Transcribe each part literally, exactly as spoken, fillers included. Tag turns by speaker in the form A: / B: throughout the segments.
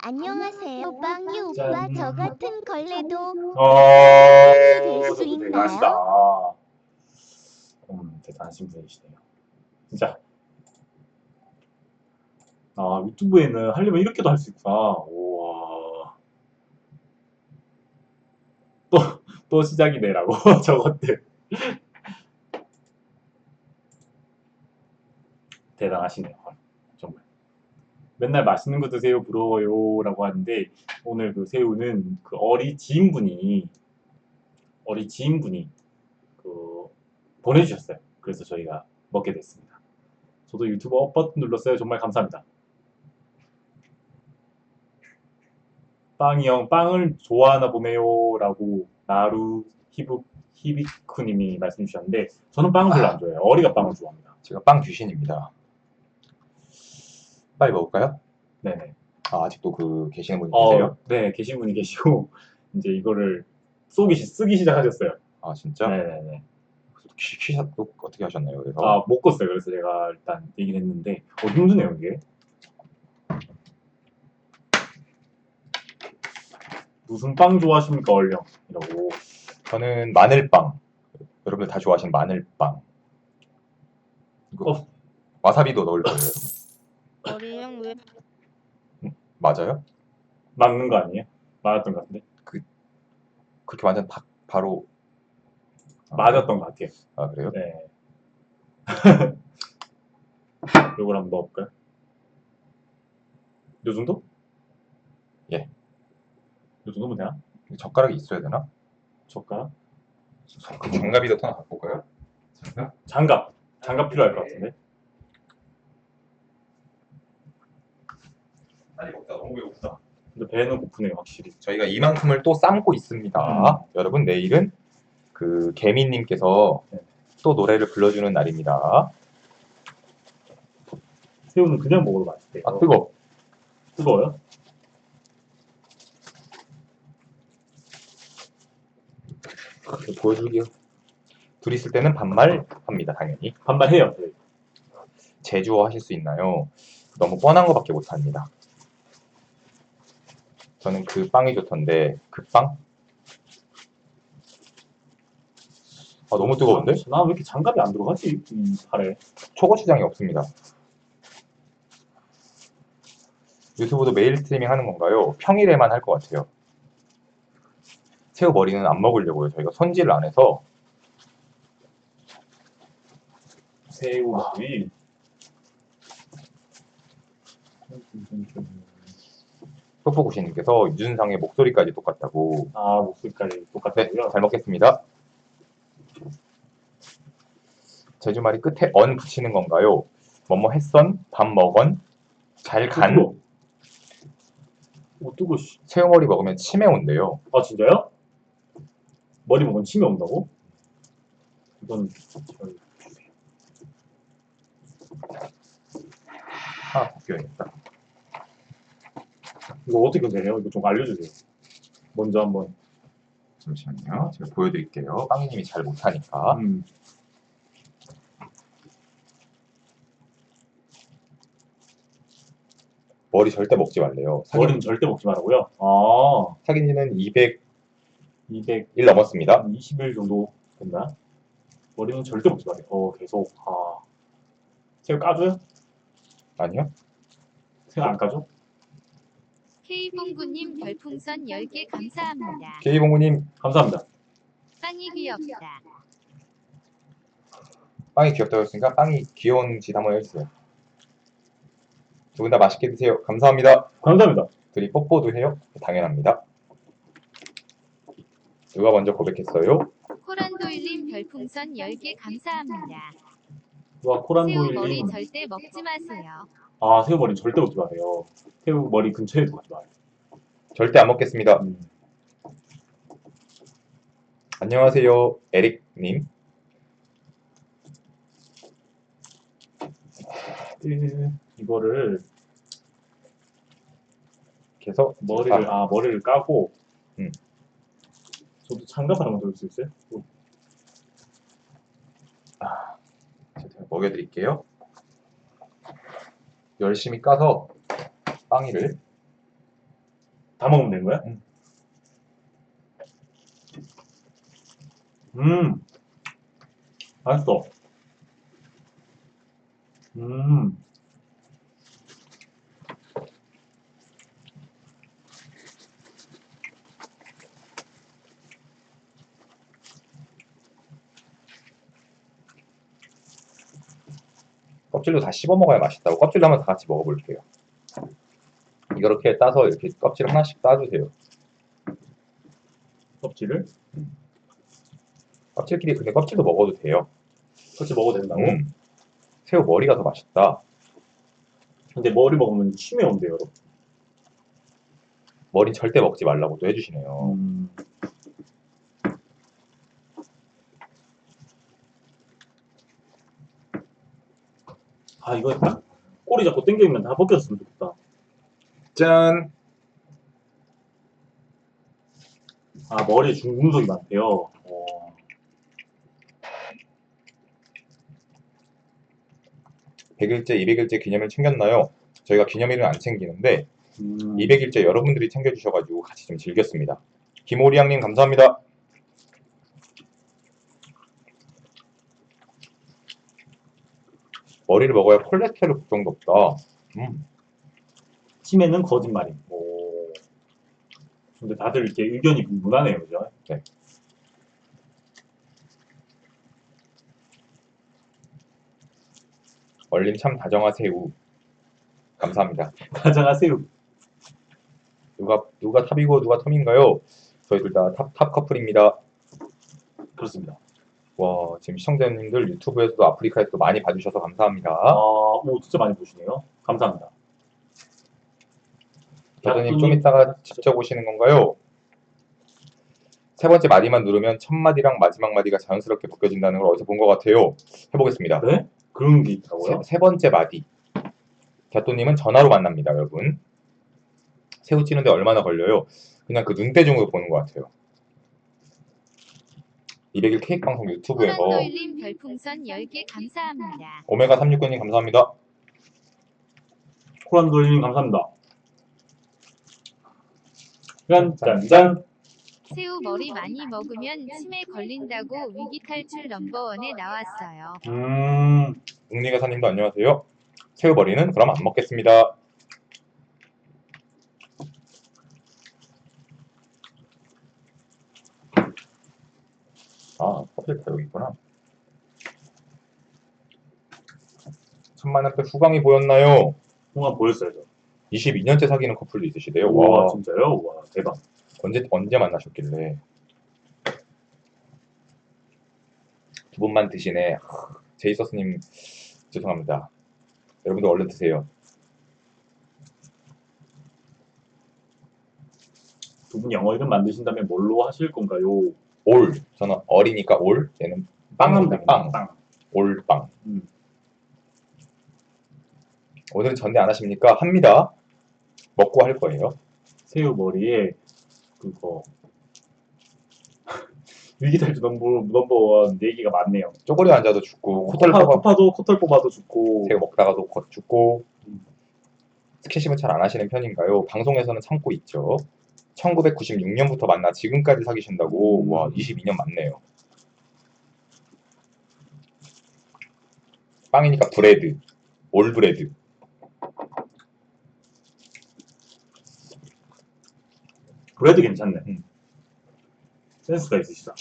A: 안녕하세요, 빵이 오빠.
B: 짠.
A: 저 같은 걸레도
B: 어,
A: 될수
B: 저도
A: 있나요?
B: 대단하시다. 음, 대단하신 분이시네요. 진짜. 아, 유튜브에는 하려면 이렇게도 할 수 있구나. 우와. 또, 또 시작이네라고, 저것들. 대단하시네요. 정말. 맨날 맛있는 거 드세요, 부러워요. 라고 하는데, 오늘 그 새우는 그 어리 지인분이, 어리 지인분이, 그, 보내주셨어요. 그래서 저희가 먹게 됐습니다. 저도 유튜브 업 버튼 눌렀어요. 정말 감사합니다. 빵이 형, 빵을 좋아하나 보네요. 라고, 나루 히브, 히비쿠님이 말씀 주셨는데, 저는 빵을 별로 안 좋아해요. 어리가 빵을 좋아합니다.
C: 제가 빵 귀신입니다. 빨리 먹을까요?
B: 네네.
C: 아, 아직도 그 계시는 분이
B: 어,
C: 계세요?
B: 네, 계신 분이 계시고, 이제 이거를 쏘기, 시- 쓰기 시작하셨어요.
C: 아, 진짜?
B: 네네네.
C: 키, 키샷도 어떻게 하셨나요? 그래서
B: 아, 못 껐어요. 그래서 제가 일단 얘기를 했는데, 어, 힘드네요, 이게. 무슨 빵 좋아하십니까, 얼령? 이러고.
C: 저는 마늘빵. 여러분들 다 좋아하시는 마늘빵. 이거
B: 어.
C: 와사비도 넣을 거예요, 여러분.
A: 어리형 왜?
C: 맞아요?
B: 맞는 거 아니에요? 맞았던 것 같은데?
C: 그렇게 완전 바, 바로 아,
B: 맞았던 것 같아요.
C: 아, 그래요?
B: 네. 요걸 한번 넣어볼까요? 요 정도?
C: 예.
B: 요 정도면 되나?
C: 젓가락이 있어야 되나?
B: 젓가락?
C: 장갑이라도 하나 갖고 올까요? 장갑?
B: 장갑. 장갑 필요할 것 같은데?
C: 아니 먹다 너무 배고프다.
B: 근데 배는 고프네요, 확실히.
C: 저희가 이만큼을 또 삶고 있습니다.
B: 음.
C: 여러분 내일은 그 개미님께서
B: 네.
C: 또 노래를 불러주는 날입니다.
B: 새우는 그냥 먹어도 맛있대요.
C: 아 뜨거.
B: 뜨거워요?
C: 보여줄게요. 둘이 있을 때는 반말 합니다, 당연히.
B: 반말해요, 저희.
C: 제주어 하실 수 있나요? 너무 뻔한 거밖에 못합니다. 저는 그 빵이 좋던데 그 빵? 아 너무 뜨거운데?
B: 나 왜 이렇게 장갑이 안 들어가지? 이 팔에.
C: 초고추장이 없습니다. 유튜브도 메일 스트리밍 하는 건가요? 평일에만 할 것 같아요. 새우 머리는 안 먹으려고요. 저희가 손질을 안 해서.
B: 새우 머리.
C: 뽀뽀구시님께서 유준상의 목소리까지 똑같다고.
B: 아, 목소리까지
C: 네,
B: 똑같다고요?
C: 잘 먹겠습니다. 제주말이 끝에 언 붙이는 건가요? 뭐뭐 했선, 밥 먹언, 잘 간.
B: 뜨거워. 오, 뜨거워, 씨.
C: 새우머리 먹으면 치매 온대요.
B: 아, 진짜요? 머리 먹으면 침이 온다고? 이건 저희 주세요.
C: 하나 벗겨야겠다.
B: 이거 어떻게 되세요? 이거 좀 알려주세요. 먼저 한번.
C: 잠시만요. 제가 보여드릴게요. 빵이님이 잘 못하니까.
B: 음.
C: 머리 절대 먹지 말래요.
B: 머리는 절대 먹지 말라고요? 아,
C: 사귄 지는 이백일
B: 이백이십
C: 넘었습니다.
B: 일 정도 됐나? 머리는 절대 먹지 말아요. 어, 계속. 아. 새우 까줘요?
C: 아니요?
B: 새우 안 까줘?
D: K봉구님 별풍선 열 개 감사합니다.
C: K봉구님
B: 감사합니다.
D: 빵이 귀엽다.
C: 빵이 귀엽다고 했으니까 빵이 귀여운 짓 한번 해주세요. 두 분 다 맛있게 드세요. 감사합니다.
B: 감사합니다.
C: 둘이 뽀뽀도 해요? 당연합니다. 누가 먼저 고백했어요?
D: 코란도일님 별풍선 열 개 감사합니다.
B: 와,
D: 새우
B: 코란도일님.
D: 머리 절대 먹지 마세요.
B: 아, 새우 머리는 절대 먹지 마세요. 새우 머리 근처에도 가지 마요.
C: 절대 안 먹겠습니다.
B: 음.
C: 안녕하세요, 에릭님.
B: 음, 이거를
C: 이렇게 해서
B: 머리를 아, 머리를 까고.
C: 음.
B: 저도 장갑 하나만 더 줄 수 있어요?
C: 아, 제가 먹여드릴게요. 열심히 까서 빵이를
B: 다 먹으면 되는 거야?
C: 응.
B: 음, 맛있어. 음,
C: 껍질도 다 씹어 먹어야 맛있다고. 껍질도 한번 다 같이 먹어볼게요. 이렇게 따서 이렇게 껍질 하나씩 따주세요.
B: 껍질을
C: 껍질끼리 근데 껍질도 먹어도 돼요.
B: 같이 먹어도 된다고?
C: 음. 새우 머리가 더 맛있다.
B: 근데 머리 먹으면 치매 온대요, 여러분.
C: 머리 절대 먹지 말라고 또 해주시네요.
B: 음. 아, 이거 딱 꼬리 잡고 당기면 다 벗겼으면 좋겠다.
C: 짠!
B: 아, 머리에 중금속이 많대요. 어.
C: 백 일째, 이백 일째 기념일 챙겼나요? 저희가 기념일은 안 챙기는데
B: 음.
C: 이백 일째 여러분들이 챙겨주셔가지고 같이 좀 즐겼습니다. 김오리양님 감사합니다. 머리를 먹어야 콜레스테롤 걱정도 없다. 음.
B: 치매는 거짓말임. 오. 근데 다들 이렇게 의견이 분분하네요, 그죠?
C: 네. 얼림 참 다정하세요. 감사합니다.
B: 가장하세요.
C: 누가 누가 탑이고 누가 텀인가요? 저희 둘 다 탑 탑 커플입니다.
B: 그렇습니다.
C: 와, 지금 시청자님들 유튜브에서도 아프리카에서도 많이 봐주셔서 감사합니다.
B: 아, 오, 진짜 많이 보시네요. 감사합니다.
C: 교수님 좀 이따가 직접 오시는 건가요? 세 번째 마디만 누르면 첫 마디랑 마지막 마디가 자연스럽게 벗겨진다는 걸 어디서 본 것 같아요. 해보겠습니다.
B: 네? 그런 게
C: 세,
B: 있다고요?
C: 세 번째 마디. 갸또님은 전화로 만납니다, 여러분. 새우 찌는데 얼마나 걸려요? 그냥 그 눈대중으로 보는 것 같아요. 이백 일 케이크 방송 유튜브에서
D: 호란돌림 별풍선 열 개 감사합니다.
C: 오메가 삼육구님 감사합니다.
B: 코란돌님 감사합니다. 짠, 짠, 짠.
D: 새우 머리 많이 먹으면 치매 걸린다고 위기탈출 넘버원에 나왔어요.
B: 음,
C: 웅리가사님도 안녕하세요. 새우머리는 그럼 안 먹겠습니다. 아, 껍질 다 여기 있구나. 천만원대 후광이 보였나요?
B: 홍합 보였어요, 저.
C: 이십이 년째 사귀는 커플도 있으시대요.
B: 와,
C: 와,
B: 진짜요? 와, 대박.
C: 언제 언제 만나셨길래? 두 분만 드시네. 하, 제이서스님 죄송합니다. 여러분들 얼른 드세요.
B: 두 분 영어 이름 만드신다면 뭘로 하실 건가요?
C: 올. 저는 어리니까 올. 얘는
B: 빵은
C: 빵입니다. 빵.
B: 빵.
C: 올빵.
B: 음.
C: 오늘은 전대 안 하십니까? 합니다. 먹고 할 거예요.
B: 새우 머리에 그거 위기탈출 넘버 넘버원 얘기가 많네요.
C: 쪼그려 앉아도 죽고 코털
B: 코파,
C: 뽑아
B: 코파도 코털 뽑아도 죽고.
C: 새우 먹다가도 곧 죽고.
B: 음.
C: 스킨십은 잘 안 하시는 편인가요? 방송에서는 참고 있죠. 천구백구십육 년부터 만나 지금까지 사귀신다고.
B: 음.
C: 와, 이십이 년 맞네요. 빵이니까 브레드. 올브레드.
B: 브레드 괜찮네.
C: 음.
B: 센스가 있으시다.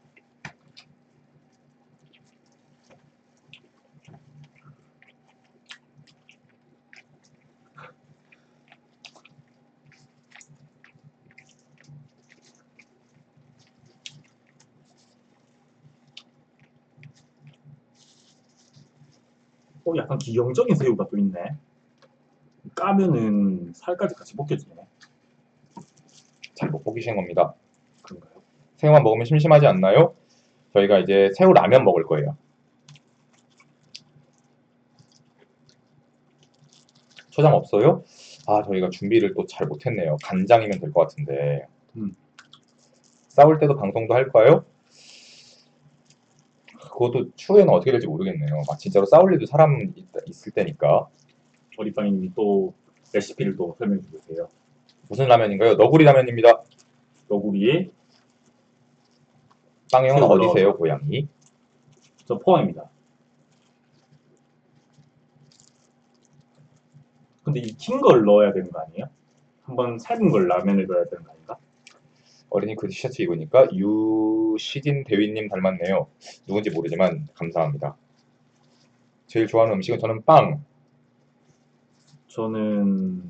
B: 어, 약간 기형적인 새우가 또 있네. 까면은 살까지 같이 벗겨지네.
C: 잘 못 보기신 겁니다.
B: 그런가요?
C: 새우만 먹으면 심심하지 않나요? 저희가 이제 새우 라면 먹을 거예요. 초장 없어요? 아, 저희가 준비를 또 잘 못했네요. 간장이면 될 것 같은데.
B: 음.
C: 싸울 때도 방송도 할까요? 그것도 추후에는 어떻게 될지 모르겠네요. 막 진짜로 싸울 일도 사람 있, 있을 때니까.
B: 어리빵님이 또 레시피를 또 설명해 주세요.
C: 무슨 라면인가요? 너구리 라면입니다.
B: 너구리에
C: 빵형은
B: 새우
C: 어디세요, 고양이?
B: 저 포항입니다. 근데 익힌 걸 넣어야 되는 거 아니에요? 한번 삶은 걸 라면에 넣어야 되는 거 아닌가?
C: 어린이 그 티셔츠 입으니까 유시진 대위님 닮았네요. 누군지 모르지만 감사합니다. 제일 좋아하는 음식은 저는 빵.
B: 저는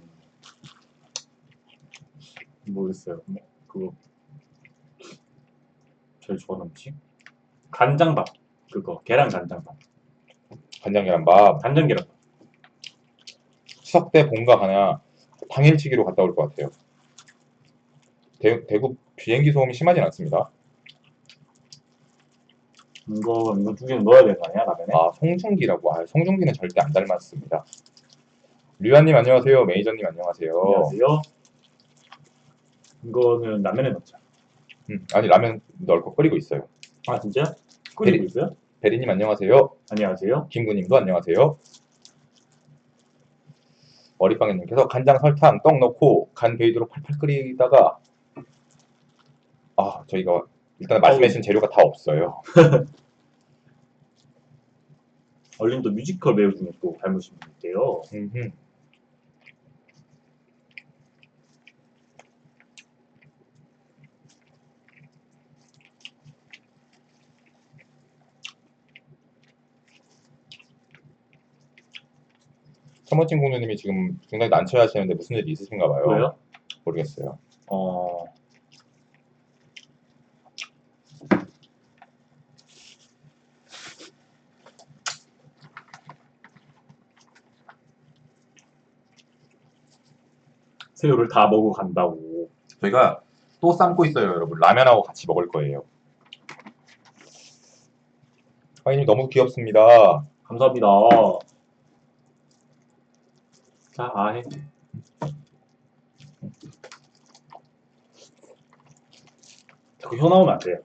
B: 모르겠어요. 뭐 그거 제일 좋아하는 음식? 간장밥. 그거 계란 간장밥.
C: 간장 계란밥.
B: 간장 계란밥.
C: 추석 때 본가 가냐 당일치기로 갔다 올 것 같아요. 대, 대구 비행기 소음이 심하진 않습니다.
B: 이거 이거 두 개는 넣어야 되는 거 아니야 라면에?
C: 아 송중기라고. 아 송중기는 절대 안 닮았습니다. 류한님 안녕하세요. 매니저님 안녕하세요.
B: 안녕하세요. 이거는 라면에 넣자.
C: 음, 아니 라면 넣을 거 끓이고 있어요.
B: 아 진짜? 끓이고
C: 베리-
B: 있어요?
C: 베리님 안녕하세요.
B: 안녕하세요.
C: 김구님도 안녕하세요. 머리빵이님께서 간장 설탕 떡 넣고 간 베이도록 팔팔 끓이다가 아 저희가 일단 말씀해주신 재료가 다 없어요.
B: 얼린도 뮤지컬 배우 중에 또 닮으신 분 있대요.
C: 음흠. 서머친 공주님이 지금 굉장히 난처해하시는데 무슨 일이 있으신가 봐요.
B: 왜요?
C: 모르겠어요.
B: 어 새우를 다 먹어 간다고.
C: 저희가 또 삶고 있어요, 여러분. 라면하고 같이 먹을 거예요. 화이님 너무 귀엽습니다.
B: 감사합니다. 자, 아해. 자꾸 혀 나오면 안 돼요.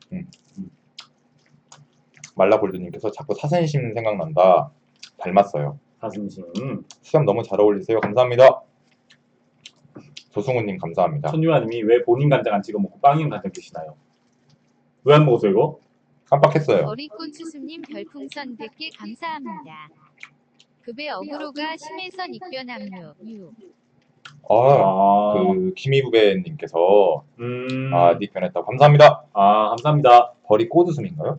C: 말라골드님께서 자꾸 사선심 생각난다. 닮았어요.
B: 사슴심.
C: 수염 너무 잘 어울리세요. 감사합니다. 조승우님 감사합니다.
B: 천유아님이 왜 본인 간장 안 찍어 먹고 빵인 간장 드시나요? 왜 안 먹었어요 이거?
C: 깜빡했어요.
D: 어리꽃추수님 별풍선 백 개 감사합니다. 급의 어그로가 심해서 nik변함유. 유.
C: 아,
B: 아,
C: 그 김희부배님께서
B: 음,
C: 아, 닉 변했다고 감사합니다.
B: 아 감사합니다.
C: 벌이 꼬드숨인가요?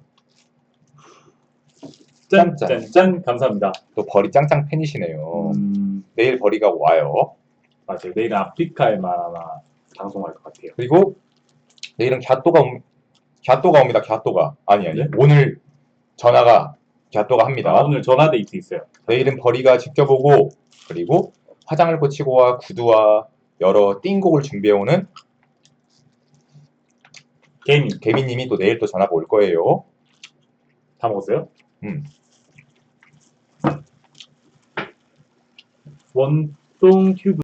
B: 짠,
C: 짠,
B: 짠, 짠, 감사합니다.
C: 또 벌이 짱짱 팬이시네요.
B: 음,
C: 내일 벌이가 와요.
B: 맞아요. 내일은 아프리카에만 아마 방송할 것 같아요.
C: 그리고 내일은 갸또가 옴, 갸또가 옵니다. 갸또가 아니 아니
B: 네?
C: 오늘 전화가 갸또가 합니다.
B: 아, 오늘 전화 데이트 있어요.
C: 내일은 벌이가 직접 오고 그리고 화장을 고치고 와 구두와 여러 띵곡을 준비해오는
B: 개미
C: 개미님이 또 내일 또 전화가 올 거예요.
B: 다 먹었어요?
C: 음.
B: 원동 튜브